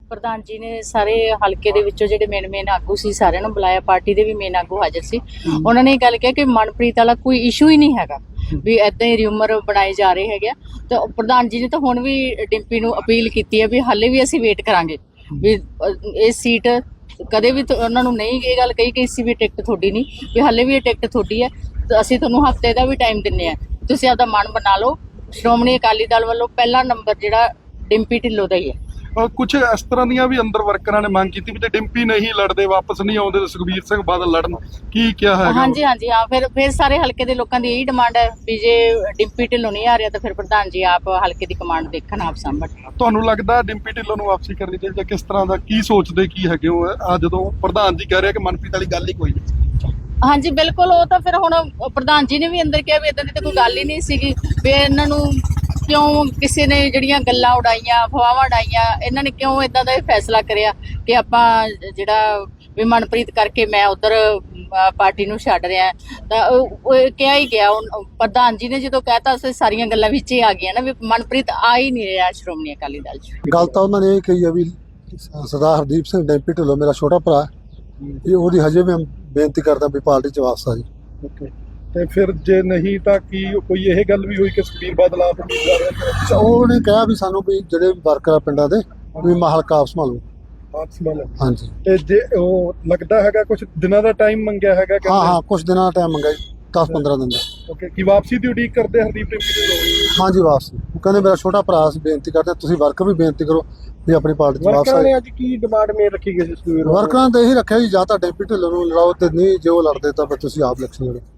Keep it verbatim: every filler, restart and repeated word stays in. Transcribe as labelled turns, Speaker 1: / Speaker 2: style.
Speaker 1: ਪ੍ਰਧਾਨ ਜੀ ਨੇ ਸਾਰੇ ਹਲਕੇ ਦੇ ਵਿੱਚੋਂ ਜਿਹੜੇ ਮੇਨ ਮੇਨ ਆਗੂ ਸੀ ਸਾਰਿਆਂ ਨੂੰ ਬੁਲਾਇਆ, ਪਾਰਟੀ ਦੇ ਵੀ ਮੇਨ ਆਗੂ ਹਾਜ਼ਰ ਸੀ। ਉਹਨਾਂ ਨੇ ਇਹ ਗੱਲ ਕਿਹਾ ਕਿ ਮਨਪ੍ਰੀਤ ਵਾਲਾ ਕੋਈ ਇਸ਼ੂ ਹੀ ਨਹੀਂ ਹੈਗਾ, ਵੀ ਏਦਾਂ ਹੀ ਰਿਊਮਰ ਬਣਾਏ ਜਾ ਰਹੇ ਹੈਗੇ। ਤੇ ਪ੍ਰਧਾਨ ਜੀ ਨੇ ਤਾਂ ਹੁਣ ਵੀ ਡਿੰਪੀ ਨੂੰ ਅਪੀਲ ਕੀਤੀ ਹੈ ਵੀ ਹਾਲੇ ਵੀ ਅਸੀਂ ਵੇਟ ਕਰਾਂਗੇ, ਵੀ ਇਹ ਸੀਟ ਕਦੇ ਵੀ ਉਹਨਾਂ ਨੂੰ ਨਹੀਂ ਇਹ ਗੱਲ ਕਹੀ ਕਿ ਇਸ ਵੀ ਟਿਕਟ ਤੁਹਾਡੀ ਨਹੀਂ, ਵੀ ਹਾਲੇ ਵੀ ਇਹ ਟਿਕਟ ਤੁਹਾਡੀ ਹੈ, ਤੇ ਅਸੀਂ ਤੁਹਾਨੂੰ ਹਫ਼ਤੇ ਦਾ ਵੀ ਟਾਈਮ ਦਿੰਦੇ ਆ, ਤੁਸੀਂ ਆਪਦਾ ਮਨ ਬਣਾ ਲਓ। ਸ਼੍ਰੋਮਣੀ ਅਕਾਲੀ ਦਲ ਵੱਲੋਂ ਪਹਿਲਾ ਨੰਬਰ ਜਿਹੜਾ ਡਿੰਪੀ ਢਿੱਲੋਂ ਦਾ ਹੀ ਹੈ।
Speaker 2: ਕੁਝ ਇਸ ਤਰ੍ਹਾਂ ਦੀਆਂ ਵੀ ਅੰਦਰ ਵਰਕਰਾਂ ਨੇ ਮੰਗ ਕੀਤੀ ਵੀ ਜੇ ਡਿੰਪੀ ਨਹੀਂ ਲੜਦੇ, ਵਾਪਸ ਨਹੀਂ ਆਉਂਦੇ ਤਾਂ ਸੁਖਬੀਰ ਸਿੰਘ ਬਾਦਲ ਲੜਨ, ਕੀ ਕਿਹਾ ਹੈਗਾ?
Speaker 1: ਹਾਂਜੀ ਹਾਂਜੀ ਹਾਂ, ਫਿਰ ਫਿਰ ਸਾਰੇ ਹਲਕੇ ਦੇ ਲੋਕਾਂ ਦੀ ਇਹੀ ਡਿਮਾਂਡ ਹੈ ਵੀ ਜੇ ਡਿੰਪੀ ਢਿੱਲੋਂ ਨਹੀਂ ਆ ਰਿਹਾ ਤਾਂ ਫਿਰ ਪ੍ਰਧਾਨ ਜੀ ਆਪ ਹਲਕੇ ਦੀ ਕਮਾਂਡ ਦੇਖਣ, ਆਪ ਸਾਂਭਣ।
Speaker 2: ਤੁਹਾਨੂੰ ਲੱਗਦਾ ਡਿੰਪੀ ਢਿੱਲੋਂ ਨੂੰ ਵਾਪਸੀ ਕਰਨੀ ਚਾਹੀਦੀ, ਕਿਸ ਤਰ੍ਹਾਂ ਦਾ ਕੀ ਸੋਚਦੇ ਕੀ ਹੈਗੇ ਹੋ ਆ ਜਦੋਂ ਪ੍ਰਧਾਨ ਜੀ ਕਹਿ ਰਿਹਾ ਕਿ ਮਨਪ੍ਰੀਤ ਵਾਲੀ ਗੱਲ ਹੀ ਕੋਈ ਨਹੀਂ?
Speaker 1: ਹਾਂਜੀ ਬਿਲਕੁਲ, ਉਹ ਤਾਂ ਫਿਰ ਹੁਣ ਪ੍ਰਧਾਨ ਜੀ ਨੇ ਵੀ ਅੰਦਰ ਕਿਹਾ ਵੀ ਇਦਾਂ ਦੀ ਤਾਂ ਕੋਈ ਗੱਲ ਹੀ ਨਹੀਂ ਸੀਗੀ, ਵੀ ਇਹਨਾਂ ਨੂੰ ਕਿਉਂ ਕਿਸੇ ਨੇ ਜਿਹੜੀਆਂ ਗੱਲਾਂ ਉਡਾਈਆਂ, ਅਫਵਾਹਾਂ ਉਡਾਈਆਂ, ਇਹਨਾਂ ਨੇ ਕਿਉਂ ਇਦਾਂ ਦਾ ਫੈਸਲਾ ਕਰਿਆ ਕਿ ਆਪਾਂ ਜਿਹੜਾ ਵੀ ਮਨਪ੍ਰੀਤ ਕਰਕੇ ਮੈਂ ਉਧਰ ਪਾਰਟੀ ਨੂੰ ਛੱਡ ਰਿਹਾ। ਤਾਂ ਉਹ ਕਿਹਾ ਹੀ ਗਿਆ, ਪ੍ਰਧਾਨ ਜੀ ਨੇ ਜਦੋਂ ਕਹਿਤਾ ਉਸ ਸਾਰੀਆਂ ਗੱਲਾਂ ਵਿੱਚ ਹੀ ਆ ਗਈਆਂ ਨਾ ਵੀ ਮਨਪ੍ਰੀਤ ਆ ਹੀ ਨਹੀਂ ਰਿਹਾ ਸ਼੍ਰੋਮਣੀ ਅਕਾਲੀ ਦਲ 'ਚ।
Speaker 3: ਗੱਲ ਤਾਂ ਉਹਨਾਂ ਨੇ ਇਹ ਕਹੀ ਆ ਵੀ ਸਰਦਾਰ ਹਰਦੀਪ ਸਿੰਘ ਡਿੰਪੀ ਢਿੱਲੋਂ ਮੇਰਾ ਛੋਟਾ ਭਰਾ, ਇਹ ਉਹਦੀ ਹਜੇ ਮੈਂ ਬੇਨਤੀ ਕਰਦਾ ਵੀ ਪਾਰਟੀ 'ਚ ਵਾਪਸ ਆ ਜੀ।
Speaker 2: ਓਕੇ, ਤੇ ਫਿਰ ਜੇ ਨਹੀਂ ਤਾਂ ਕੀ ਕੋਈ ਇਹ ਗੱਲ ਵੀ ਹੋਈ ਕਿ ਸੁਖਬੀਰ ਬਾਦਲ ਆਪ ਉਮੀਦਵਾਰ?
Speaker 3: ਉਹਨੇ ਕਿਹਾ ਵੀ ਸਾਨੂੰ ਵੀ ਜਿਹੜੇ ਵਰਕਰ ਆ ਪਿੰਡਾਂ ਦੇ ਵੀ ਹਲਕਾ ਆਪ ਸੰਭਾਲੋ।
Speaker 2: ਆਪ ਸੰਭਾਲੋ,
Speaker 3: ਹਾਂਜੀ।
Speaker 2: ਤੇ ਜੇ ਉਹ ਲੱਗਦਾ ਹੈਗਾ ਕੁਝ ਦਿਨਾਂ ਦਾ ਟਾਈਮ ਮੰਗਿਆ ਹੈਗਾ?
Speaker 3: ਹਾਂ ਹਾਂ, ਕੁਝ ਦਿਨਾਂ ਦਾ ਟਾਈਮ ਮੰਗਿਆ ਜੀ, ਦਸ ਪੰਦਰਾਂ ਦਿਨ ਦਾ।
Speaker 2: ਓਕੇ, ਕੀ ਵਾਪਸੀ ਦੀ ਉਡੀਕ ਕਰਦੇ ਹਰਦੀਪ ਡਿੰਪੀ ਢਿੱਲੋਂ?
Speaker 3: ਹਾਂਜੀ ਵਾਪਸ। ਉਹ ਕਹਿੰਦੇ ਮੇਰਾ ਛੋਟਾ ਭਰਾ ਸੀ, ਬੇਨਤੀ ਕਰਦੇ ਤੁਸੀਂ ਵਰਕਰ ਵੀ ਬੇਨਤੀ ਕਰੋ ਵੀ ਆਪਣੀ ਪਾਰਟੀ 'ਚ ਵਾਪਸ
Speaker 2: ਵਰਕਰਾਂ
Speaker 3: ਆ।
Speaker 2: ਨੇ ਅੱਜ ਕੀ ਡਿਮਾਂਡ ਮੇਨ ਰੱਖੀ ਗਈ ਸੀ ਸੁਖਬੀਰ?
Speaker 3: ਵਰਕਰਾਂ ਨੇ ਤਾਂ ਇਹੀ ਰੱਖਿਆ ਜੀ ਜਾਂ ਤਾਂ ਡਿੰਪੀ ਢਿੱਲੋਂ ਨੂੰ ਲੜਾਓ ਤੇ ਨਹੀਂ, ਜੇ ਉਹ ਲੜਦੇ ਤਾਂ ਫਿਰ ਤੁਸੀਂ ਆਪ ਇਲੈਕਸ਼ਨ ਲੜੋ।